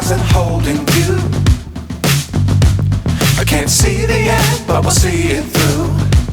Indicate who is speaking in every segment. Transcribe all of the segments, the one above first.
Speaker 1: wasn't holding you. I can't see the end, but we'll see it through.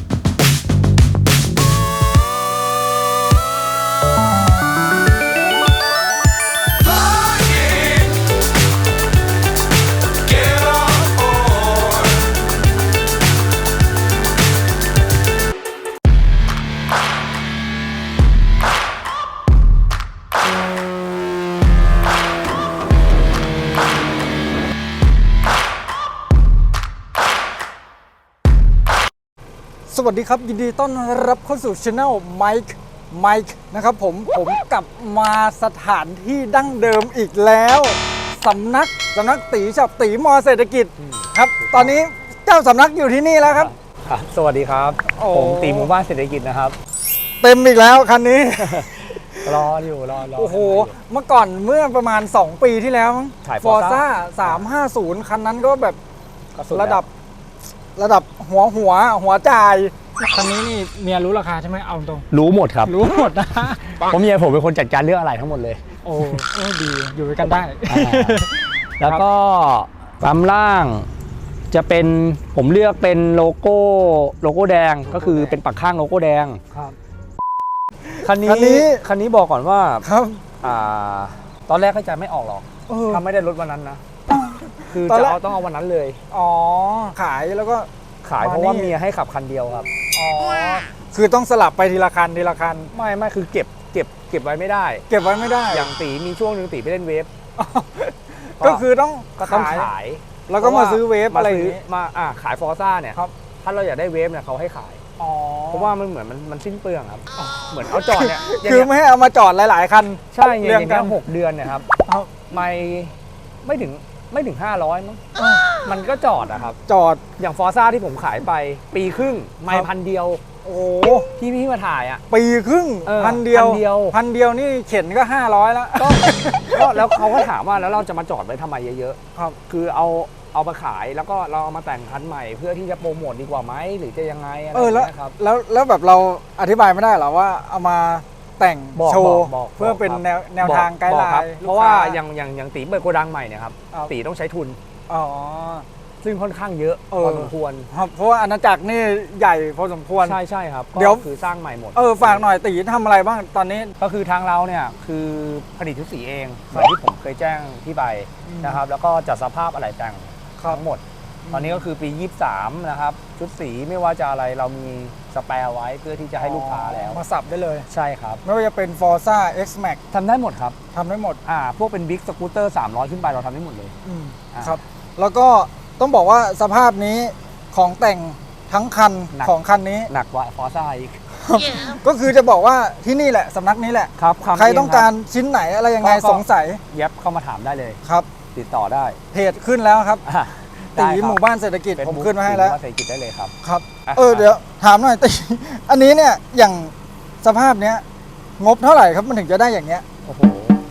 Speaker 2: สวัสดีครับยินดีต้อนรับเข้าสู่ช anel ไมค์นะครับผมกลับมาสถานที่ดั้งเดิมอีกแล้วสำนักตีฉับตีมอเศรษฐกิจครับตอนนี้เจ้าสำนักอยู่ที่นี่แล้วครับ
Speaker 3: สวัสดีครับผมตีหมู่บ้านเศรษฐกิจนะครับ
Speaker 2: เต็มอีกแล้วคันนี้
Speaker 3: รออยู่รอ
Speaker 2: โอ้โหเมื่อก่อนเมื่อประมาณ2 ปีที่แล้วมั้ง
Speaker 3: ฟอร์ซ่
Speaker 2: า350คันนั้นก็แบบระดับหัวจ่ายคันนี้นี่เมียรู้ราคาใช่ไหมเอาตรง
Speaker 3: รู้หมดครับ
Speaker 2: รู้หมดนะ
Speaker 3: ผมเมียผมเป็นคนจัดการเรื่องอะไรทั้งหมดเลย
Speaker 2: โอ้ดีอยู่ด้วยกันได้
Speaker 3: แล้วก็ปั๊มล่างจะเป็นผมเลือกเป็นโลโก้แดงก็คือเป็นปักข้างโลโก้แดง
Speaker 2: ครับ
Speaker 3: คันนี้บอกก่อนว่า
Speaker 2: ครับ
Speaker 3: ตอนแรกก็จะไม่ออกหรอกถ้าไม่ได้รถวันนั้นนะคือจะต้องเอาวันนั้นเลย
Speaker 2: อ๋อขายแล้วก็
Speaker 3: ขายเพราะว่าเมียให้ขับคันเดียวครับ
Speaker 2: อ๋อคือต้องสลับไปทีละคัน
Speaker 3: ไม่คือเก็บไว้ไม่ได้อย่างตีมีช่วงนึงตีไปเล่นเวฟ
Speaker 2: ก็คือต้อง
Speaker 3: ขาย
Speaker 2: แล้วก็มาซื้อเวฟอะไร
Speaker 3: มาขายฟอร์ซ่าเนี่ยถ้าเราอยากได้เวฟเนี่ยเขาให้ขายเพราะว่ามันเหมือนมันสิ้นเปลืองครับเหมือนเอาจอดเนี่ย
Speaker 2: คือไม่ให้เอามาจอดหลายๆคัน
Speaker 3: ใช่อย่างนี้6 เดือนเนี่ยครับไม่ถึง500มั้งมันก็จอดอะครับ
Speaker 2: จอด
Speaker 3: อย่างฟอร์ซ่าที่ผมขายไปปีครึ่งไม่1,000 เดียว
Speaker 2: โอ้
Speaker 3: พี่มาถ่ายอะ
Speaker 2: ปีครึ่ง1,000 เดียวนี่เข็นก็500แล้ว
Speaker 3: ก็แล้วเขาก็ถามว่าแล้วเราจะมาจอดไว้ทำไมเยอะๆครับคือเอามาขายแล้วก็เราเอามาแต่งคันใหม่เพื่อที่จะโปรโมทดีกว่าไหมหรือจะยังไงอะไร
Speaker 2: นะครับแล้วแบบเราอธิบายไม่ได้หรอว่าเอามาแต่งโชว์เพื่อเป็นแนวทางไกด์ไลน์
Speaker 3: เพราะว่าอย่างตีเปิดโกดังใหม่เนี่ยครับตีต้องใช้ทุนซึ่งค่อนข้างเยอะพอสมควร
Speaker 2: เพราะว่าอาณาจักรนี่ใหญ่พอสมควร
Speaker 3: ใช่ครับเดี๋ยวคือสร้างใหม่หมด
Speaker 2: ฝากหน่อยตีทำอะไรบ้างตอนนี้
Speaker 3: ก็คือทางเราเนี่ยคือผลิตชุดสีเองอย่างที่ผมเคยแจ้งที่ไปนะครับแล้วก็จัดสภาพอะไรแต่งทั้งหมดตอนนี้ก็คือปี23นะครับชุดสีไม่ว่าจะอะไรเรามีสแปร์ไว้เพื่อที่จะให้ลูกค้าแล้ว
Speaker 2: มาสับได้เลย
Speaker 3: ใช่ครับ
Speaker 2: ไม่ว่าจะเป็น Forza X Max
Speaker 3: ทำได้หมดครับ
Speaker 2: ทำได้หมด
Speaker 3: พวกเป็นบิ๊กสกูตเตอร์300ขึ้นไปเราทำได้หมดเลย
Speaker 2: ครับแล้วก็ต้องบอกว่าสภาพนี้ของแต่งทั้งคันของคันนี้
Speaker 3: หนักกว่า Forza อีก
Speaker 2: ก็คือจะบอกว่าที่นี่แหละสำนักนี้แหละ
Speaker 3: ครับ
Speaker 2: ใครต้องการชิ้นไหนอะไรยังไงสงสัย
Speaker 3: เย็บเข้ามาถามได้เลย
Speaker 2: ครับ
Speaker 3: ติดต่อได้
Speaker 2: เพจขึ้นแล้วครับตีหมู่บ้านเศรษฐกิจผมขึ้นมาให้แล้ว
Speaker 3: เศรษฐกิจได้เลยครับ
Speaker 2: ครับเดี๋ยวถามหน่อยตีอันนี้เนี่ยอย่างสภาพเนี้ยงบเท่าไหร่ครับมันถึงจะได้อย่างเงี้ย
Speaker 3: โอ้โห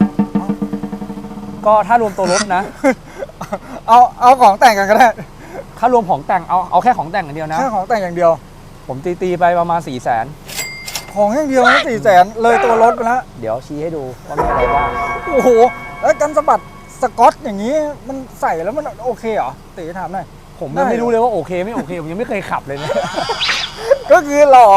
Speaker 3: ก็ถ้ารวมตัวรถนะ
Speaker 2: เอาของแต่งกันก็ได้
Speaker 3: ถ้ารวมของแต่งเอาแค่ของแต่งอย่างเดียวนะ
Speaker 2: แค่ของแต่งอย่างเดียว
Speaker 3: ผมตีไปประมาณ400,000
Speaker 2: ของอย่างเดียวนะ400,000เลยตัวรถไปแล้ว
Speaker 3: เดี๋ยวชี้ให้ดูว่ามีอะไรบ้าง
Speaker 2: โอ้โหแล้วกันสะบัดสกอตอย่างนี้มันใส่แล้วมันโอเคเหรอตีถามหน่อย
Speaker 3: ผมยังไม่รู้เลยว่าโอเคไม่โอเคผมยังไม่เคยขับเลยนะ
Speaker 2: ก็คือหล่อ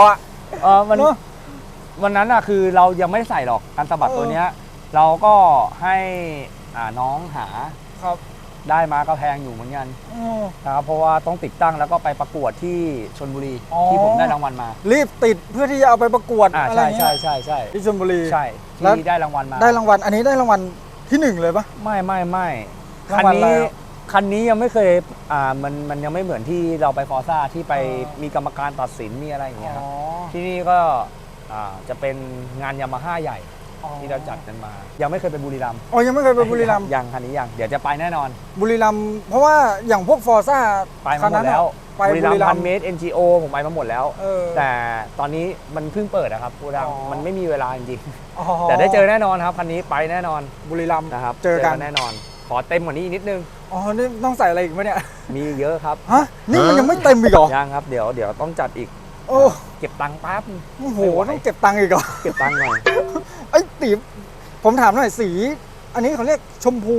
Speaker 3: วันนั้นอะคือเรายังไม่ได้ใส่หรอกการสะบัดตัวเนี้ยเราก็ให้น้องหา
Speaker 2: ครับ
Speaker 3: ได้มาก็แพงอยู่เหมือนกันนะครับเพราะว่าต้องติดตั้งแล้วก็ไปประกวดที่ชลบุรีที่ผมได้รางวัลมา
Speaker 2: รีบติดเพื่อที่จะเอาไปประกวดอะไรเงี้ย
Speaker 3: ใช่
Speaker 2: ที่ชลบุรี
Speaker 3: ใช่ที่ได้รางวัลมา
Speaker 2: ได้รางวัลอันนี้ได้รางวัลที่1เลยปะ
Speaker 3: ไม่คันนี้ยังไม่เคยมันยังไม่เหมือนที่เราไปฟอร์ซ่าที่ไปมีกรรมการตัดสินมีอะไรอย่างเงี้ยครับที่นี่ก็จะเป็นงานยามาฮ่าใหญ่ที่เราจัดกันมายังไม่เคยไปบุรีรัมย์
Speaker 2: ยังไม่เคยไปบุรีรัมย์
Speaker 3: ยังคันนี้ยังเดี๋ยวจะไปแน่นอน
Speaker 2: บุรีรัมย์เพราะว่าอย่างพวกฟอร์ซ่า
Speaker 3: ไปมาหมดแล้วบุรีรัมย์พันเมตร NGO ผมไปมาหมดแล้วแต่ตอนนี้มันเพิ่งเปิดนะครับบุรีรัมย์มันไม่มีเวลาจริงๆแต่ได้เจอแน่นอนครับคันนี้ไปแน่นอน
Speaker 2: บุรีรัมย์
Speaker 3: นะครับ
Speaker 2: เจอกัน
Speaker 3: แน่นอนขอเต็มกว่านี้นิดนึง
Speaker 2: นี่ต้องใส่อะไรอีกไหมเนี่ย
Speaker 3: มีเยอะครับ
Speaker 2: นี่มันยังไม่เต็มอีกเหรอ
Speaker 3: ยังครับเดี๋ยวต้องจัดอีกเก็บตังค์แป๊บ
Speaker 2: โอ้โหต้องเก็บตังค์อีกเหรอ
Speaker 3: เก็บตังค์หน่อย
Speaker 2: ไอ้ตีผมถามหน่อยสีอันนี้เขาเรียกชมพู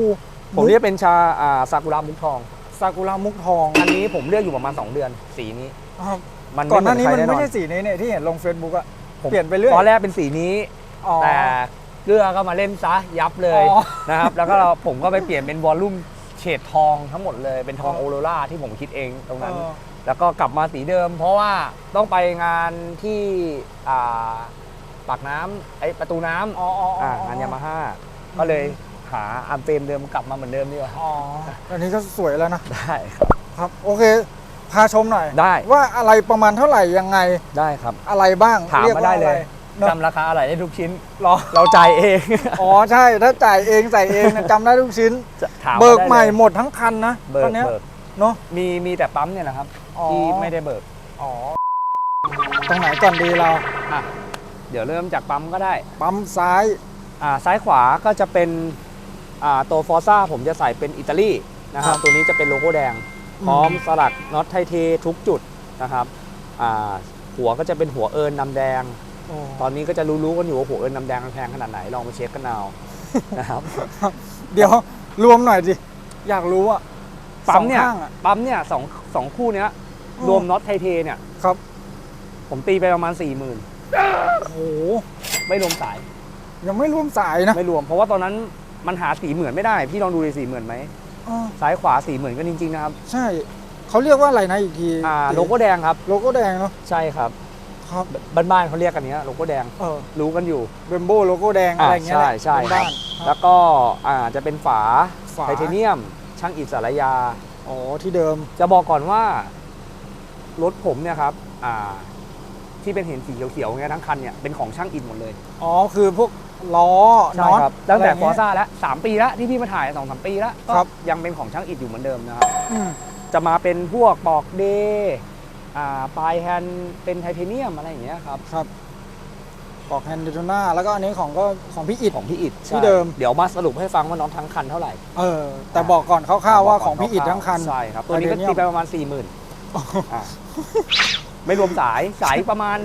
Speaker 3: ผมเรียกเป็นชาซากุระมุกทอง
Speaker 2: ซากุระมุกทอง
Speaker 3: อันนี้ผมเลือกอยู่ประมาณ2 เดือนสีนี้
Speaker 2: ครับ
Speaker 3: มัน
Speaker 2: ก่อนหน้านี้
Speaker 3: ไเห
Speaker 2: มัน
Speaker 3: ใคร
Speaker 2: ไม่
Speaker 3: แอ
Speaker 2: ใช่สีนี้เนี่ยที่เห็นลง Facebook อะ
Speaker 3: ผม
Speaker 2: เปลี่ยนไปเรื่อย
Speaker 3: ตอนแรกเป็นสีนี้
Speaker 2: อ๋อ
Speaker 3: แต่เลือกก็มาเล่นซะยับเลย
Speaker 2: อ๋อ
Speaker 3: นะครับ แล้วก็ผมก็ไปเปลี่ยนเป็นวอลลุ่มเฉดทองทั้งหมดเลยเป็นทองโอโรราที่ผมคิดเองตรงนั้น แล้วก็กลับมาสีเดิม เพราะว่าต้องไปงานที่ปากน้ำประตูน้ำ
Speaker 2: อ๋อง
Speaker 3: านยามาฮ่าก็เลยหาอัมเฟรมเดิมกลับมาเหมือนเดิมดีกว่า
Speaker 2: อ๋ออันนี้ก็สวยแล้วนะ
Speaker 3: ได้ครับ
Speaker 2: ครับโอเคพาชมหน่อย
Speaker 3: ได้
Speaker 2: ว่าอะไรประมาณเท่าไหร่ยังไง
Speaker 3: ได้ครับ
Speaker 2: อะไรบ้าง
Speaker 3: ถาม
Speaker 2: รีก
Speaker 3: มา
Speaker 2: ว่
Speaker 3: ได้เลย
Speaker 2: อะเนอะ
Speaker 3: จำราคาอะไรได้ทุกชิ้น
Speaker 2: หรอ
Speaker 3: เราจ่ายเอง
Speaker 2: อ๋อใช่ถ้าจ่ายเองใส่เองเนี่ยจำได้ทุกชิ้น
Speaker 3: ถามา
Speaker 2: เบิก
Speaker 3: ได้ลย
Speaker 2: ใหม่หมดทั้งคันนะ
Speaker 3: เบิ
Speaker 2: ตอก นเนี้ย
Speaker 3: เบิก
Speaker 2: เนาะ
Speaker 3: มีแต่ปั๊มเนี่ยนะครับ
Speaker 2: อ๋อ
Speaker 3: ที่ไม่ได้เบิก
Speaker 2: อ๋อตรงไหนก่อนดีเรา
Speaker 3: อ่ะเดี๋ยวเริ่มจากปั๊มก็ได้
Speaker 2: ปั๊มซ้าย
Speaker 3: ซ้ายขวาก็จะเป็นตัวฟอร์ซ่าผมจะใส่เป็นอิตาลีนะครับตัวนี้จะเป็นโลโก้แดง พร้อมสลักน็อตไทเททุกจุดนะครับหัวก็จะเป็นหัวเอิญนำแดง ตอนนี้ก็จะรู้ๆกันอยู่ว่าหัวเอิญนำแดงแพงขนาดไหนลองมาเช็คกันเอา นะครับ
Speaker 2: เดี๋ยวรวมหน่อยดิอยากรู้อะ
Speaker 3: ปั๊มเนี่ย
Speaker 2: สองข้างอะ
Speaker 3: ปั๊มเนี่ยสองคู่เนี้ย
Speaker 2: อืม
Speaker 3: รวมน็อตไทเทเนี่ย
Speaker 2: ครับ
Speaker 3: ผมตีไปประมาณ 40,000
Speaker 2: โอ้โห
Speaker 3: ไม่รวมสาย
Speaker 2: ยังไม่รวมสายนะ
Speaker 3: ไม่รวมเพราะว่าตอนนั้นมันหาสีเหมือนไม่ได้พี่ลองดูดิสีเหมือนไหม
Speaker 2: อ๋อ
Speaker 3: ซ้ายขวาสีเหมือนกันจริงๆนะครับ
Speaker 2: ใช่เขาเรียกว่าอะไรนะอีกที
Speaker 3: โลโก้แดงครับ
Speaker 2: โลโก้แดงเนาะ
Speaker 3: ใช่ครับ
Speaker 2: ครับ
Speaker 3: บ้านๆเขาเรียกกันเนี้ยโลโก้แดง รู้กันอยู่
Speaker 2: เบมโบโลโก้แดงอะไรเงี้ยแหละ
Speaker 3: ใช่ครั
Speaker 2: บ้า
Speaker 3: บ
Speaker 2: นๆ
Speaker 3: แล้วก็จะเป็นฝา
Speaker 2: ฝา
Speaker 3: ไทเทเนียม ช่างอิฐสารยา
Speaker 2: อ๋อที่เดิม
Speaker 3: จะบอกก่อนว่ารถผมเนี่ยครับที่เป็นเห็นสีเขียวๆเงี้ยทั้งคันเนี่ยเป็นของช่างอิฐหมดเลย
Speaker 2: อ๋อคือพวกล้อ
Speaker 3: ใช่
Speaker 2: น็อต
Speaker 3: ครับตั้งแต่
Speaker 2: ะไร
Speaker 3: ฟอ
Speaker 2: เงี้
Speaker 3: ร์
Speaker 2: ย
Speaker 3: ซ่าแล้ว3 ปีแล้วที่พี่มาถ่าย 2-3 ปีแล้วก็
Speaker 2: ครับ
Speaker 3: ยังเป็นของช่างอิฐอยู่เหมือนเดิมนะครับ
Speaker 2: อืม
Speaker 3: จะมาเป็นพวกปอกเดย์ปลายแฮนด์เป็นไทเทเนียมอะไรอย่างเงี้ยครับ
Speaker 2: ครับปอกแฮนด์เดโทน่าแล้วก็อันนี้ของพี่อิด
Speaker 3: ของพี่อิฐ
Speaker 2: ที่เดิม
Speaker 3: เดี๋ยวมาสรุปให้ฟังว่าน้องทั้งคันเท่าไหร่
Speaker 2: แต่บอกก่อนคร่าวๆว่าของพี่อิดทั้งคัน
Speaker 3: ใช่ครับตัวนี้ก็
Speaker 2: ไทเทเนียม
Speaker 3: ตีไปประมาณ 40,000ไม่รวมสายประมาณ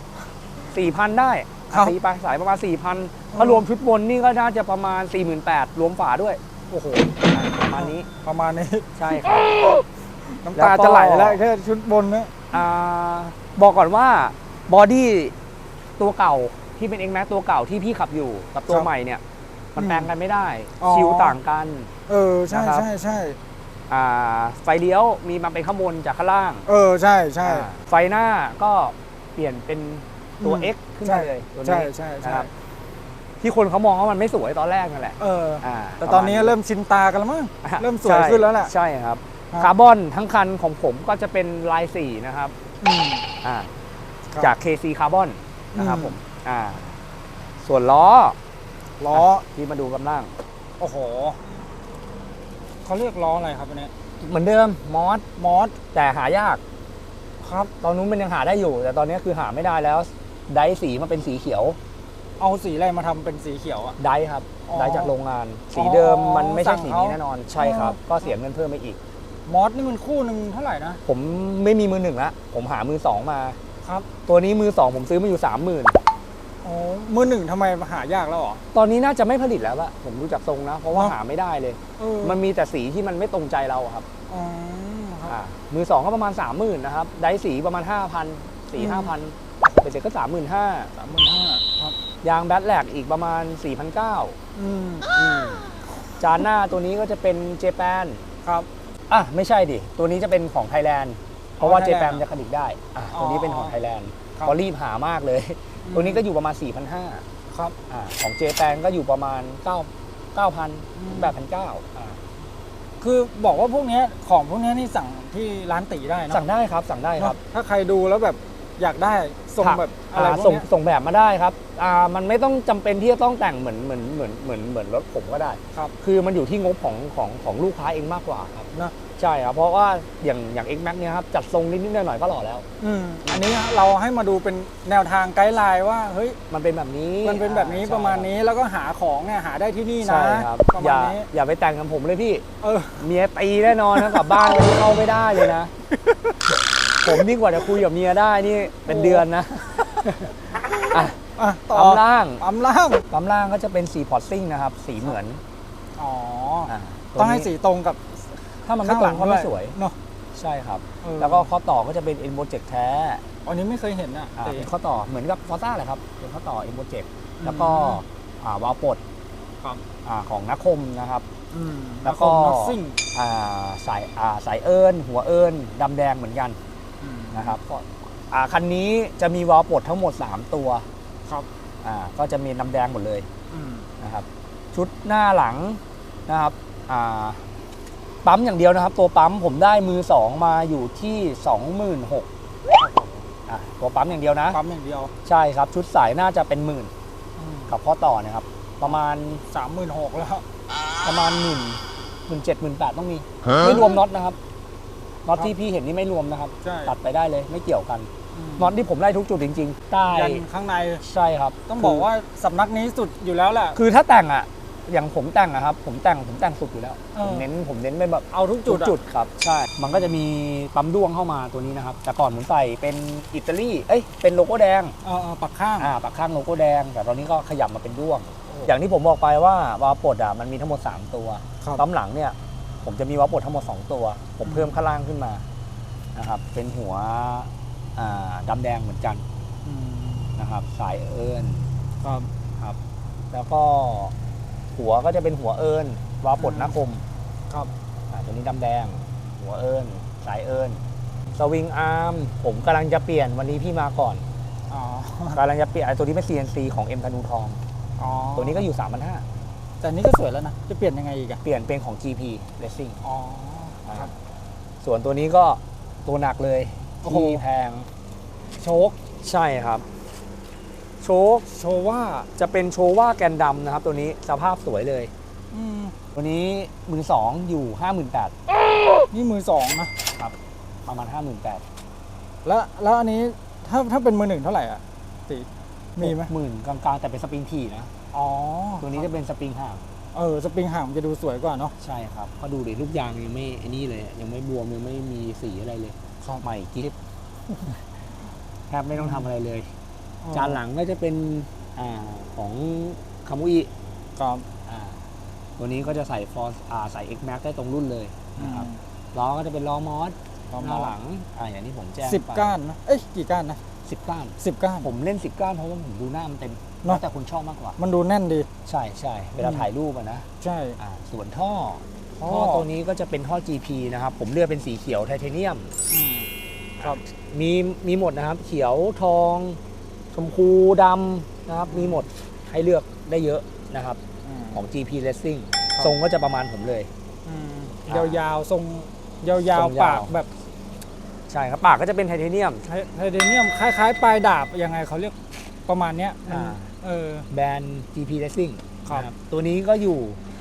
Speaker 3: 4,000 ได้ตีไปสายประมาณ 4,000ถ้ารวมชุดบนนี่ก็น่าจะประมาณ 48,000รวมฝาด้วย
Speaker 2: โอ้โห
Speaker 3: ประมาณนี้
Speaker 2: ประมาณนี้
Speaker 3: ใช่ครับ
Speaker 2: น้ำตาจะไหลแล้วแค่ชุดบนนะ
Speaker 3: บอกก่อนว่าบอดี้ตัวเก่าที่เป็น X-Max ตัวเก่าที่พี่ขับอยู่กับตัวใหม่เนี่ยมันแปลงกันไม่ได้ ชิวต่างกัน
Speaker 2: ใช่
Speaker 3: นะครับ
Speaker 2: ใช่ใช่
Speaker 3: ไฟเลี้ยวมีมาเป็นข้างบนจากข้างล่าง
Speaker 2: ใช่ใช่
Speaker 3: ไฟหน้าก็เปลี่ยนเป็นตัว
Speaker 2: อืม
Speaker 3: X ขึ้นมาเลยตัว
Speaker 2: ใช่
Speaker 3: นี้
Speaker 2: ใช่
Speaker 3: นะ
Speaker 2: ใช่
Speaker 3: ครับที่คนเขามองว่ามันไม่สวยตอนแรกนั่นแหละ
Speaker 2: แต่ตอนนี้เริ่มชินตากันแล้วมั้งเริ่มสวย
Speaker 3: ใช่
Speaker 2: ขึ้นแล้วแหละ
Speaker 3: ใช่ครับ
Speaker 2: ครับ
Speaker 3: คาร์บอนทั้งคันของผมก็จะเป็นลายสีนะครับ
Speaker 2: อืม ครับ
Speaker 3: จาก KC คาร์บอนนะครับ
Speaker 2: อืม
Speaker 3: ผมส่วนล้อ
Speaker 2: ล้อ
Speaker 3: ที่มาดูกำลัง
Speaker 2: โอ้โหเขาเรียกล้ออะไรครับอันนี้
Speaker 3: เหมือนเดิมมอส
Speaker 2: มอส
Speaker 3: แต่หายาก
Speaker 2: ครับ
Speaker 3: ตอนนู้นมันยังหาได้อยู่ แต่ตอนนี้คือหาไม่ได้แล้ว ไดร์สีมาเป็นสีเขียว
Speaker 2: เอาสีอะไรมาทำเป็นสีเขียวอ่ะ
Speaker 3: ไดร์ครับ
Speaker 2: อ๋อ
Speaker 3: ไดร์จากโรงงาน สีเดิมมันไม่
Speaker 2: สั่
Speaker 3: ใช่
Speaker 2: ง
Speaker 3: สี
Speaker 2: เขา
Speaker 3: นี้แน่นอน ใช่ครับ ก็เสียเงินเพิ่มไปอีก
Speaker 2: มอสนี่มันคู่หนึ่งเท่าไหร่นะ
Speaker 3: ผมไม่มีมือหนึ่งละผมหามือสองมา
Speaker 2: ครับ
Speaker 3: ตัวนี้มือสองผมซื้อมาอยู่ 30,000
Speaker 2: อ๋อมือหนึ่งทำไมหายากแล้วเหรอ
Speaker 3: ตอนนี้น่าจะไม่ผลิตแล้วละผมดูจากทรงนะ เพราะว่า
Speaker 2: อ๋อ
Speaker 3: หาไม่ได้เลย
Speaker 2: มั
Speaker 3: มัน นมีแต่สีที่มันไม่ตรงใจเราอะครับ
Speaker 2: อ๋อครับ
Speaker 3: มือสองก็ประมาณ 30,000นะครับ ได้สีประมาณ 5,000
Speaker 2: อืม
Speaker 3: 4-5,000เป็นเสร็จก็ 35,000
Speaker 2: 35,000ครับ
Speaker 3: ยางแบตแลกอีกประมาณ 4,900
Speaker 2: อืม
Speaker 3: จานหน้าตัวนี้ก็จะเป็นเจแปน
Speaker 2: ครับ
Speaker 3: ไม่ใช่ดิ ตัวนี้จะเป็นของไทยแลนด์เพราะว่า
Speaker 2: ไท
Speaker 3: เจ
Speaker 2: ยแลนด์
Speaker 3: แปนจะผลิตได้ตัวนี้เป็นของไทยแลนด์
Speaker 2: ครับ
Speaker 3: ก็รีบหามากเลย
Speaker 2: อืม
Speaker 3: ตัวนี้ก็อยู่ประมาณ 4,500
Speaker 2: ครับ
Speaker 3: ของเจแปนก็อยู่ประมาณ 9,000 8,900
Speaker 2: คือบอกว่าพวกเนี้ยของพวกเนี้ยนี่สั่งที่ร้านตีได้เนอะ
Speaker 3: สั่งได้ครับสั่งได้ครับ
Speaker 2: เนอะถ้าใครดูแล้วแบบอยากได้ส่งแบบอะไรพวก
Speaker 3: ส่ง
Speaker 2: เนี้ย
Speaker 3: ส่งแบบมาได้ครับมันไม่ต้องจำเป็นที่จะต้องแต่งเหมือนรถผมก็ได้
Speaker 2: ครับ
Speaker 3: คือมันอยู่ที่งบของลูกค้าเองมากกว่าครับ
Speaker 2: นะ
Speaker 3: ใช่ครับเพราะว่าอย่าง X-Max เนี่ยครับจัดทรงนิดๆหน่อยๆก็หล่อแล้ว
Speaker 2: อันนี้เราให้มาดูเป็นแนวทางไกด์ไลน์ว่าเฮ้ย
Speaker 3: มันเป็นแบบนี้
Speaker 2: มันเป็นแบบนี้
Speaker 3: ใช่
Speaker 2: ประมาณนี้แล้วก็หาของเนี่ยหาได้ที่นี่นะ
Speaker 3: ใช่ครับ
Speaker 2: ประ
Speaker 3: อ
Speaker 2: มาณ
Speaker 3: ย่า
Speaker 2: นี้
Speaker 3: อย่าไปแต่งกับผมเลยพี่
Speaker 2: เออ
Speaker 3: เมียตีแน่นอนนะกลับบ้านวันนี้เข้าไม่ได้เลยนะ ผมนี่กว่าจะคุยกับเมียได้นี่เป็นเดือนนะ
Speaker 2: ต่อ
Speaker 3: ปั๊มล่าง
Speaker 2: ปั๊มล่าง
Speaker 3: ปั๊มล่างก็จะเป็นสีพอร์ตซิ่งนะครับสีเหมือน
Speaker 2: อ๋อต้องให้สีตรงกับ
Speaker 3: ถ้ามันไม่ตรงก็ไม่สวย
Speaker 2: เนาะ
Speaker 3: ใช่ครับ
Speaker 2: เออ
Speaker 3: แล้วก็ข้อต่อก็จะเป็น e n b o j e c t แท้
Speaker 2: อันนี้ไม่เคยเห็นอ่ะ
Speaker 3: เป็นข้อต่อเหมือนกับฟอร์ซ่าแหละครับเป็นข้อต่อ e n b o j e c t แล้วก็วาล์วปลด
Speaker 2: ครับ
Speaker 3: ของนักคมนะครับ แล้
Speaker 2: แล้ว ว
Speaker 3: ก็
Speaker 2: ก็น็อตซิ่ง
Speaker 3: สายเอิญหัวเอิญดำแดงเหมือนกันนะครับคันนี้จะมีวาล์วปลดทั้งหมด 3 ตัว
Speaker 2: ครับ
Speaker 3: ก็จะมีดำแดงหมดเลยนะครับชุดหน้าหลังนะครับปั๊มอย่างเดียวนะครับ ตัวปั๊มผมได้มือ 2 มาอยู่ที่ 26,000ตัวปั๊มอย่างเดียวนะ
Speaker 2: ปั๊มอย่างเดียว
Speaker 3: ใช่ครับชุดสายน่าจะเป็นหมื่นกับข้อต่อนะครับประมาณ
Speaker 2: 36,000แล้ว
Speaker 3: ประมาณ17,000 ต้องมีไม่รวมน็อตนะครับน็อตที่พี่เห็นนี่ไม่รวมนะครับ
Speaker 2: ใช่
Speaker 3: ตัดไปได้เลยไม่เกี่ยวกันน็อตที่ผมไล่ทุกจุดจริงๆใต้
Speaker 2: ยันข้างใน
Speaker 3: ใช่ครับ
Speaker 2: ต้องบอกว่าสำนักนี้สุดอยู่แล้วแหละ
Speaker 3: คือถ้าแต่งอย่างผมแต่งครับผมแต่งสุดอยู่แล้ว
Speaker 2: เออ
Speaker 3: ผมเน้นไปแบบ
Speaker 2: เอาทุกจุดอะ
Speaker 3: จุดครับใช่มันก็จะมีปั๊มด้วงเข้ามาตัวนี้นะครับแต่ก่อนผมใส่เป็นอิตาลีเป็นโลโก้แดง
Speaker 2: ปักข้าง
Speaker 3: ปักข้างโลโก้แดงแต่ตอนนี้ก็ขยับมาเป็นด้วง อย่างที่ผมบอกไปว่าวาล์วปลดมันมีทั้งหมด 3 ตัว
Speaker 2: ครับ
Speaker 3: ปั๊มหลังเนี่ยผมจะมีวาล์วปลดทั้งหมด 2 ตัว ผมเพิ่มข้างล่างขึ้นมานะครับเป็นหัวดำแดงเหมือนกันนะครับสายเอิญ
Speaker 2: ครับ
Speaker 3: ครับแล้วก็หัวก็จะเป็นหัวเอิญวาล์วปลดหน้าคม
Speaker 2: ครับ
Speaker 3: ตัวนี้ดำแดงหัวเอิญสายเอิญสวิงอาร์มผมกำลังจะเปลี่ยนวันนี้พี่มาก่อน
Speaker 2: อ๋อ
Speaker 3: กำลังจะเปลี่ยนตัวนี้เป็น CNC ของ M ธนูทอง
Speaker 2: อ๋อ
Speaker 3: ตัวนี้ก็อยู่ 3,500
Speaker 2: แต่นี้ก็สวยแล้วนะจะเปลี่ยนยังไงอีกอะ
Speaker 3: เปลี่ยนเป็นของ GP Racing
Speaker 2: อ๋อครับ
Speaker 3: ส่วนตัวนี้ก็ตัวหนักเลย
Speaker 2: โอ้โห
Speaker 3: ที่แพง
Speaker 2: โชค
Speaker 3: ใช่ครับโชค
Speaker 2: โชว่า
Speaker 3: จะเป็นโชว่าแกนดำนะครับ ตัวนี้สภาพสวยเลย ตัวนี้มือ 2 อยู่ 58,000
Speaker 2: นี่มือ 2นะครับ
Speaker 3: ประมาณ 58,000
Speaker 2: แล้วอันนี้ถ้าเป็นมือ 1เท่าไหร่อ่ะตีมีไหม
Speaker 3: หมื่นกลางๆ แต่เป็นสปริงถี่นะ
Speaker 2: อ๋อ
Speaker 3: ตัวนี้จะเป็นสปริงห่าง
Speaker 2: สปริงห่างมันจะดูสวยกว่าเนาะ
Speaker 3: ใช่ครับก็ดูดิลูกยางยังไม่ไอ้นี่เลยยังไม่บวมยังไม่มีสีอะไรเลย
Speaker 2: ครับ
Speaker 3: ใหม่กิ๊บ แทบไม่ต้องทำอะไรเลย จานหลังก็จะเป็นของคามุอิ
Speaker 2: ครับ
Speaker 3: ตัวนี้ก็จะใส่ฟอร์ใส่ X Max ได้ตรงรุ่นเลยนะครับล้อก็จะเป็นล้อมอสหน้าหลังอย่างที่ผมแจ้ง
Speaker 2: 10 ก้านนะกี่ก้านนะ
Speaker 3: 10 ก้าน
Speaker 2: 10 ก้าน
Speaker 3: ผมเล่น10 ก้านเพราะว่าผมดูหน้ามันเต็ม
Speaker 2: เนอะ
Speaker 3: แต่คุณชอบมากกว่า
Speaker 2: มันดูแน่นดี
Speaker 3: ใช่ใช่เวลาถ่ายรูปนะ
Speaker 2: ใช่
Speaker 3: ส่วนท่อตัวนี้ก็จะเป็นท่อ GP นะครับผมเลือกเป็นสีเขียวไทเทเนียม
Speaker 2: ครับ
Speaker 3: มีหมดนะครับเขียวทองชมพูดำนะครับมีหมดให้เลือกได้เยอะนะครับของ GP Racing ทรงก็จะประมาณผมเลย
Speaker 2: ยาวๆทรงยาว
Speaker 3: ทรงยาว
Speaker 2: ๆปากแบบ
Speaker 3: ใช่ครับปากก็จะเป็นไทเทเนียม
Speaker 2: ไทเทเนียมคล้ายๆ ปลายดาบยังไงเขาเรียกประมาณเนี้ยมัน
Speaker 3: แบรนด์ GP Racing
Speaker 2: ครับ
Speaker 3: นะตัวนี้ก็อยู่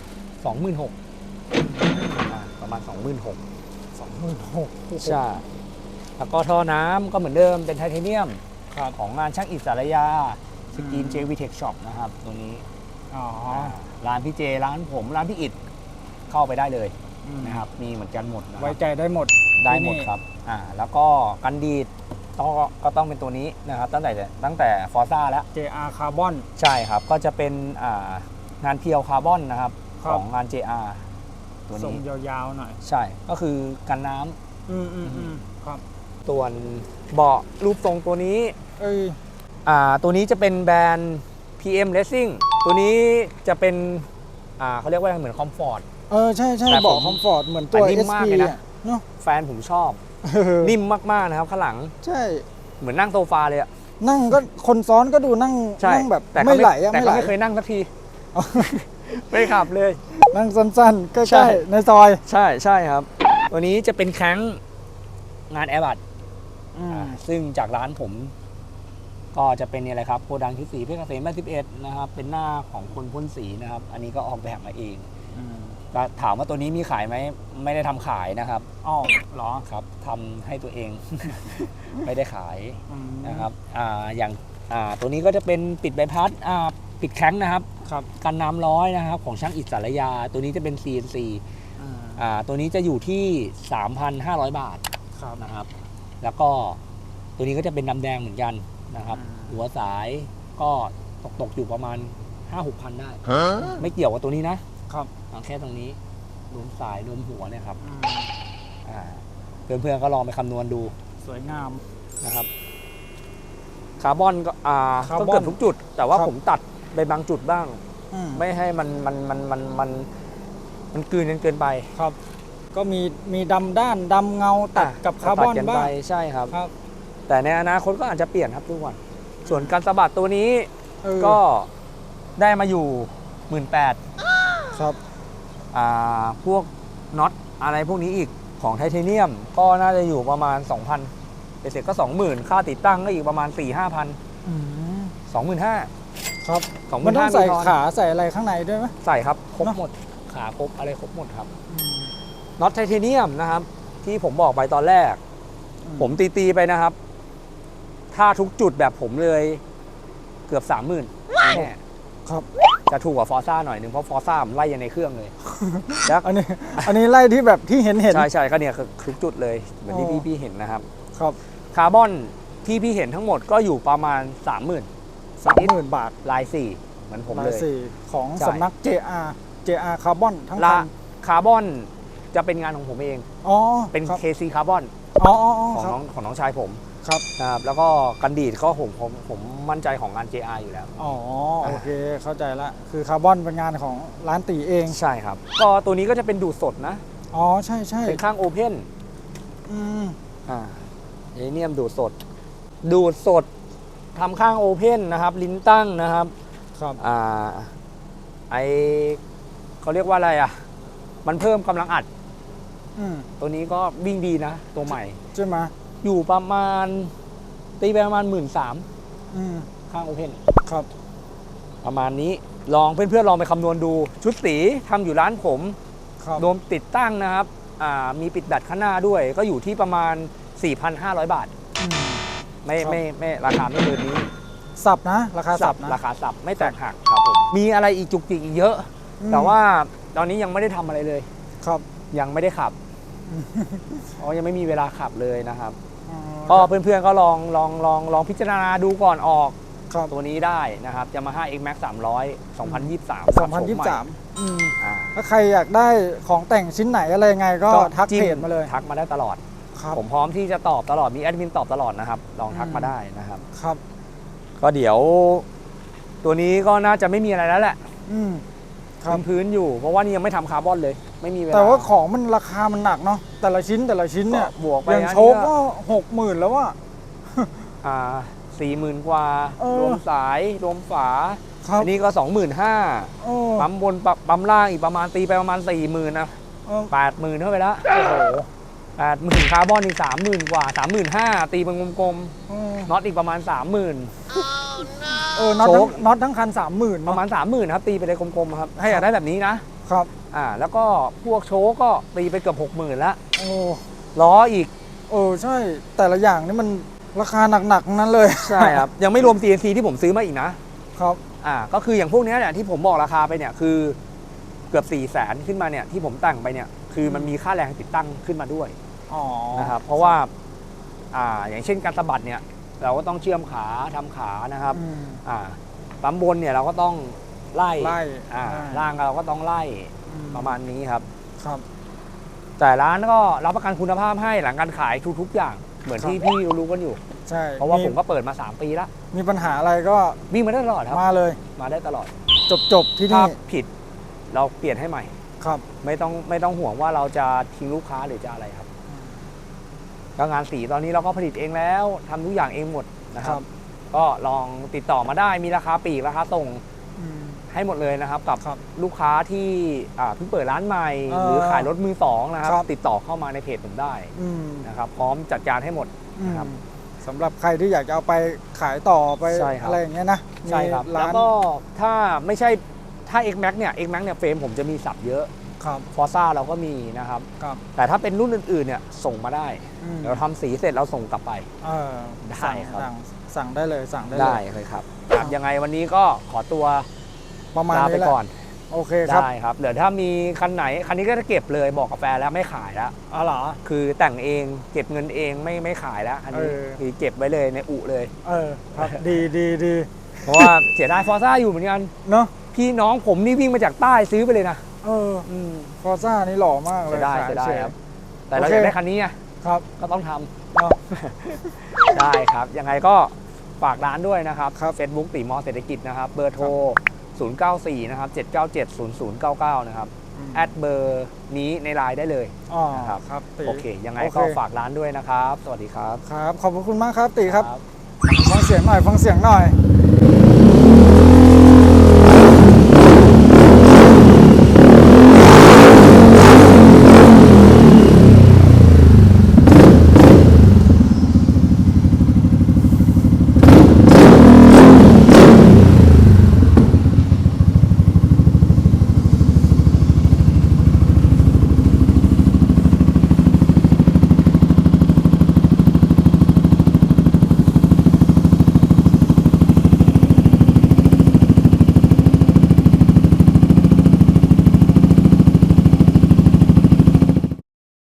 Speaker 3: 26,000ประมาณ 26,000 ใช่แล้วก็ท่อน้ำก็เหมือนเดิมเป็นไทเทเนียมของงานช่างอิสระยาสกรีน JV Tech Shop นะครับตัวนี้ร้านพี่เจร้านผมร้านพี่อิดเข้าไปได้เลยนะครับมีเหมือนกันหมดนะครับ
Speaker 2: ไว้ใจได้หมด
Speaker 3: ได้หมดครับแล้วก็กันดีดก็ต้องเป็นตัวนี้นะครับตั้งแต่ฟอร์ซ่าแล้ว
Speaker 2: JR Carbon
Speaker 3: ใช่ครับก็จะเป็นงานเพียวคาร์บอนนะครับ
Speaker 2: ครับ
Speaker 3: ของงาน JR ตัว
Speaker 2: ทรง
Speaker 3: นี้
Speaker 2: ยาวๆหน่อย
Speaker 3: ใช่ก็คือกันน้ำ
Speaker 2: ครับ
Speaker 3: ส่วนเบาะรูปทรงตัวนี้ ตัวนี้จะเป็นแบรนด์ PM Racing ตัวนี้จะเป็นเขาเรียกว่าเหมือนคอมฟอร์ต
Speaker 2: ใช่
Speaker 3: แต่
Speaker 2: บอกคอมฟอร์ตเหมือนตัว
Speaker 3: นิ่ม
Speaker 2: SP
Speaker 3: มากเลยนะ
Speaker 2: เนาะ
Speaker 3: แฟนผมชอบ นิ่มมากๆนะครับข้างหลัง
Speaker 2: ใช่
Speaker 3: เหมือนนั่งโซฟาเลยอะ
Speaker 2: นั่งก็คนซ้อนก็ดูนั่ง
Speaker 3: ใช่
Speaker 2: แบบ
Speaker 3: แต่
Speaker 2: ไม่ไหลอะ
Speaker 3: แต่
Speaker 2: ไม่ไหล
Speaker 3: ก็ไม่เคยนั่งสักที ไม่ขับเลย
Speaker 2: นั่งสั้นๆใก
Speaker 3: ใช่
Speaker 2: ล้ๆในซอย
Speaker 3: ใช่ครับ ตัวนี้จะเป็นแข้งงานแอร์บัตซึ่งจากร้านผม ก็จะเป็นนี่แหละครับโกดังที่4เพชรเกษม81นะครับเป็นหน้าของคนพ่นสีนะครับอันนี้ก็ออกแบบมาเองก็ถามว่าตัวนี้มีขายไหมไม่ได้ทำขายนะครับ
Speaker 2: เหรอ
Speaker 3: ครับทำให้ตัวเอง ไม่ได้ขายนะครับอย่างตัวนี้ก็จะเป็นปิดใบพัดปิดแข้งนะครับกันน้ำร้อยนะครับของช่างอิสระยาตัวนี้จะเป็น CNC ตัวนี้จะอยู่ที่ 3,500 บาทนะครับ แล้วก็ตัวนี้ก็จะเป็นดำแดงเหมือนกันนะครับหัวสายก็ตกอยู่ประมาณ 5-6 พันได้ไม่เกี่ยวกับตัวนี้นะครับแค่ตรงนี้รวมสายรวมหัวเนี่ยครับเพื่อนๆก็ลองไปคำนวณดู
Speaker 2: สวยงาม
Speaker 3: นะครับคาร์บอนก็
Speaker 2: คาร์บอน
Speaker 3: ก็เกือบทุกจุด แต่ว่า
Speaker 2: ครับ
Speaker 3: ผมตัดไปบางจุดบ้าง
Speaker 2: อืม
Speaker 3: ไม่ให้มันกลืนกันเกินไป
Speaker 2: ครับ ก็มีดำด้านดำเงาตัดกับคาร์บอน
Speaker 3: ตัดกัน
Speaker 2: บ้า
Speaker 3: ไป
Speaker 2: ง
Speaker 3: ใช่ครับ
Speaker 2: ครับ
Speaker 3: แต่ในอนาคตก็อาจจะเปลี่ยนครับทุกวัน ส่วนการสะบัดตัวนี้
Speaker 2: เออ
Speaker 3: ก็ได้มาอยู่ 18,000
Speaker 2: ครับ
Speaker 3: พวกน็อตอะไรพวกนี้อีกของไทเทเนียมก็น่าจะอยู่ประมาณ 2,000 เสร็จก็ 20,000 ค่าติดตั้งก็อีกประมาณ 4-5,000
Speaker 2: อืม
Speaker 3: 25,000
Speaker 2: ครับ
Speaker 3: 25,000
Speaker 2: มันต้องใส่
Speaker 3: มีทอน
Speaker 2: ขาใส่อะไรข้างในด้วยไหม
Speaker 3: ใส่ครับครบ
Speaker 2: เนอะ
Speaker 3: หมดขาครบอะไรครบหมดครับ
Speaker 2: อืม
Speaker 3: น็อตไทเทเนียมนะครับ ที่ผมบอกไปตอนแรก ผมตีไปนะครับ ถ้าทุกจุดแบบผมเลยเกือบ 30,000แน่
Speaker 2: ครับ
Speaker 3: จะถูกกว่าฟอร์ซ่าหน่อยนึงเพราะฟอร์ซ่ามันไล่ยันในเครื่องเลยแล้ว
Speaker 2: อันนี้ไล่ที่แบบที่เห็น
Speaker 3: ใช่ก็เนี่ยคือทุกจุดเลยเหมือนที่
Speaker 2: อ๋อ
Speaker 3: พี่เห็นนะครับ
Speaker 2: ครับ
Speaker 3: คาร์บอนที่พี่เห็นทั้งหมดก็อยู่ประมาณ 30,000
Speaker 2: 30,000 บาท
Speaker 3: ลาย4เหมือนผม
Speaker 2: ลา
Speaker 3: เลย ย
Speaker 2: สี่ของ
Speaker 3: ใช่
Speaker 2: สำนัก JR คาร์บอนทั้ง
Speaker 3: ละ
Speaker 2: คัน
Speaker 3: คาร์บอนจะเป็นงานของผมเอง
Speaker 2: อ๋อ
Speaker 3: เป็น
Speaker 2: ครับ
Speaker 3: KC คาร์บอน
Speaker 2: อ๋อ
Speaker 3: ของ
Speaker 2: ครับ
Speaker 3: น้องชายผม
Speaker 2: ครับ
Speaker 3: นะครับแล้วก็กันดีดก็ผมมั่นใจของงาน JR อยู่แล้ว
Speaker 2: อ๋อโอเคเข้าใจละคือคาร์บอนเป็นงานของร้านตีเอง
Speaker 3: ใช่ครับ ก็ตัวนี้ก็จะเป็นดูดสดนะ
Speaker 2: อ๋อใช่ใช่
Speaker 3: เป็นข้างโอเพน
Speaker 2: อืม
Speaker 3: ไอเนียมดูดสดทำข้างโอเพนนะครับ ลิ้นตั้งนะครับ
Speaker 2: ครับ
Speaker 3: ไอเขาเรียกว่าอะไรอ่ะ มันเพิ่มกำลังอัด
Speaker 2: อืม
Speaker 3: ตัวนี้ก็วิ่งดีนะ ตัวใหม่
Speaker 2: ใช่ไหม
Speaker 3: อยู่ประมาณตีไปประมาณ 13,000
Speaker 2: อืม
Speaker 3: ข้างโอเพน
Speaker 2: ครับ
Speaker 3: ประมาณนี้ลองเพื่อนๆลองไปคำนวณดู ชุดสีทำอยู่ร้านผม
Speaker 2: ครับ
Speaker 3: รวมติดตั้งนะครับมีปิดแบตข้างหน้าด้วย ก็อยู่ที่ประมาณ 4,500 บาท
Speaker 2: อืม
Speaker 3: ไม่
Speaker 2: ครับ
Speaker 3: ไม่ราคาไม่เกินนี้
Speaker 2: สับนะราคาสับนะ
Speaker 3: ราคาสับไม่แตกหักครับผมมีอะไรอีกจุกจิกอีกเยอะ
Speaker 2: อืม
Speaker 3: แต่ว่าตอนนี้ยังไม่ได้ทำอะไรเลย
Speaker 2: ครับ
Speaker 3: ยังไม่ได้ขับเพราะยังไม่มีเวลาขับเลยนะครับ
Speaker 2: อ๋อ
Speaker 3: ก็เพื่อนๆก็ลองพิจารณาดูก่อนออก
Speaker 2: ครับ
Speaker 3: ตัวนี้ได้นะครับ Yamaha X Max 300 2023
Speaker 2: 2023อืม
Speaker 3: อ่า
Speaker 2: ถ้าใครอยากได้ของแต่งชิ้นไหนอะไรยังไงก็ทัก
Speaker 3: จิ้
Speaker 2: เพจมาเลย
Speaker 3: ทักมาได้ตลอด
Speaker 2: ครับ
Speaker 3: ผมพร้อมที่จะตอบตลอดมีแอดมินตอบตลอดนะครับ ลองทักมาได้นะครับ
Speaker 2: ครับ
Speaker 3: ก็เดี๋ยวตัวนี้ก็น่าจะไม่มีอะไรแล้วแหละ
Speaker 2: อืมครับ
Speaker 3: พื้นๆอยู่เพราะว่านี่ยังไม่ทำคาร์บอนเลย ไม่มีเวลา
Speaker 2: แต่ว่าของมันราคามันหนักเนาะแต่ละชิ้นเนี่ย
Speaker 3: ก็บวกไป
Speaker 2: อย่าง
Speaker 3: นะ
Speaker 2: โชคก็60,000แล้วว่า
Speaker 3: 40,000 กว่า
Speaker 2: เออ
Speaker 3: รวมสายรวมฝา
Speaker 2: ครับ
Speaker 3: อันนี้ก็ 25,000
Speaker 2: โอ้
Speaker 3: ปั๊มบนปั๊มล่างอีกประมาณตีไปประมาณ 40,000นะ
Speaker 2: เออ
Speaker 3: 80,000เข้าไปแล้วโอ้โห80,000คาร์บอนอีก 30,000 กว่า 35,000 ตีเป็นกลม
Speaker 2: เออ
Speaker 3: ๆน็อตอีกประมาณ 30,000
Speaker 2: น็อต
Speaker 3: โช
Speaker 2: ทั้
Speaker 3: ค
Speaker 2: งน็อตทั้งคัน 30,000
Speaker 3: ประมาณ 30,000ครับตีไปเลยกลมๆครับให้อยากได้แบบนี้นะครับ แล้วก็พวกโชคก็ตีไปเกือบ 60,000แล้ว
Speaker 2: โอ้
Speaker 3: ล้ออีก
Speaker 2: ใช่แต่ละอย่างนี่มันราคาหนักๆทั้งนั้นเลย
Speaker 3: ใช่ครับ ยังไม่รวม CNC ที่ผมซื้อมาอีกนะครับ ก็คืออย่างพวกเนี้ยเนี่ยที่ผมบอกราคาไปเนี่ยคือเกือบ 400,000 ขึ้นมาเนี่ยที่ผมแต่งไปเนี่ยคือมันมีค่าแรงติดตั้งขึ้นมาด้วย
Speaker 2: อ๋อ
Speaker 3: นะครับเพราะว่าอย่างเช่นการสะบัดเนี่ยเราก็ต้องเชื่อมขาทำขานะครับ
Speaker 2: อืม
Speaker 3: ปั๊มบนเนี่ยเราก็ต้องไล่
Speaker 2: ไล่
Speaker 3: ล่างเราก็ต้องไล่
Speaker 2: อืม
Speaker 3: ประมาณนี้ครับ
Speaker 2: ครับ
Speaker 3: แต่ร้านก็รับประกันคุณภาพให้หลังการขายทุกๆอย่างเหมือน
Speaker 2: ครับ
Speaker 3: ที่พี่รู้กันอยู่
Speaker 2: ใช่
Speaker 3: เพราะว่าผมก็เปิดมา 3 ปีแล้ว
Speaker 2: มีปัญหาอะไรก็
Speaker 3: วิ่งมาได้ตลอดครับ
Speaker 2: มาเลย
Speaker 3: มาได้ตลอด
Speaker 2: จบที่
Speaker 3: ถ้า
Speaker 2: นี่
Speaker 3: ผิดเราเปลี่ยนให้ใหม่
Speaker 2: ครับ
Speaker 3: ไม่ต้องห่วงว่าเราจะทิ้งลูกค้าหรือจะอะไรครับก็งานสีตอนนี้เราก็ผลิตเองแล้วทำทุกอย่างเองหมดนะครับ ก็ลองติดต่อมาได้มีราคาปลีกราคาส่ง
Speaker 2: อืม
Speaker 3: ให้หมดเลยนะครับกับ
Speaker 2: ครับ
Speaker 3: ลูกค้าที่เพิ่งเปิดร้านใหม่ หรือขายรถมือสองนะครับ
Speaker 2: ครับ
Speaker 3: ติดต่อเข้ามาในเพจผมได้
Speaker 2: อืม
Speaker 3: นะครับพร้อมจัดการให้หมด นะครับ
Speaker 2: สำหรับใครที่อยากจะเอาไปขายต่อไป
Speaker 3: ใช่ครับ
Speaker 2: อะไรอย่างเงี้ยนะ
Speaker 3: ใช่ครับ
Speaker 2: มี
Speaker 3: แล้ว
Speaker 2: ร้าน
Speaker 3: ก็ถ้าไม่ใช่ถ้า X Max เนี่ย X Max เนี่ยเฟรมผมจะมีสับเยอะ
Speaker 2: ครับ
Speaker 3: ฟอร์ซ่าเราก็มีนะครับ
Speaker 2: ครับ
Speaker 3: แต่ถ้าเป็นรุ่นอื่นๆเนี่ยส่งมาได้
Speaker 2: อืม
Speaker 3: เดี๋ยวทำสีเสร็จเราส่งกลับไป
Speaker 2: เออ
Speaker 3: ได้
Speaker 2: สั่ง
Speaker 3: ครับ
Speaker 2: สั่งได้เลยสั่งได้
Speaker 3: ได้
Speaker 2: เลย
Speaker 3: เลยครับ
Speaker 2: ครับ
Speaker 3: ยังไงวันนี้ก็ขอตัว
Speaker 2: ประมาณ
Speaker 3: ลาไป
Speaker 2: นี้แหละ
Speaker 3: ก่อน
Speaker 2: โอเคครับ
Speaker 3: ได้ครับเดี๋ยวถ้ามีคันไหนคันนี้ก็จะเก็บเลยบอกกาแฟนแล้วไม่ขายแล้ว
Speaker 2: อ๋อเหรอ
Speaker 3: คือแต่งเองเก็บเงินเองไม่ขายแล้วอันนี้
Speaker 2: เออ
Speaker 3: คือเก็บไว้เลยในอุเลย
Speaker 2: ครับ ดี
Speaker 3: เพราะว่าเสียดายฟอร์ซ่าอยู่เหมือนกัน
Speaker 2: เนาะ
Speaker 3: พี่น้องผมนี่วิ่งมาจากใต้ซื้อไปเลยนะ
Speaker 2: ฟอร์ซ่านี่หล่อมากเลย
Speaker 3: ได้
Speaker 2: ขาย
Speaker 3: ได้
Speaker 2: เฉย
Speaker 3: ครับ แต่เราอยากได้คันนี้ไง
Speaker 2: ครับ
Speaker 3: ก็ต้องทำ
Speaker 2: เนาะ
Speaker 3: ได้ครับ ยังไงก็ฝากร้านด้วยนะครับ
Speaker 2: ครับ
Speaker 3: Facebook ตีมอเศรษฐกิจนะครับ เบอร์โทร 094 นะครับ 797 0099 นะครับ แอดเบอร์นี้ในไลน์ได้เลย
Speaker 2: อ๋อ
Speaker 3: นะครับ
Speaker 2: ครับตี
Speaker 3: โอเค ยังไง
Speaker 2: โอเค
Speaker 3: ก็ฝากร้านด้วยนะครับ สวัสดีครับ
Speaker 2: ครับ ขอบคุณมากครับตีครับ ฟังเสียงหน่อย ฟังเสียงหน่อย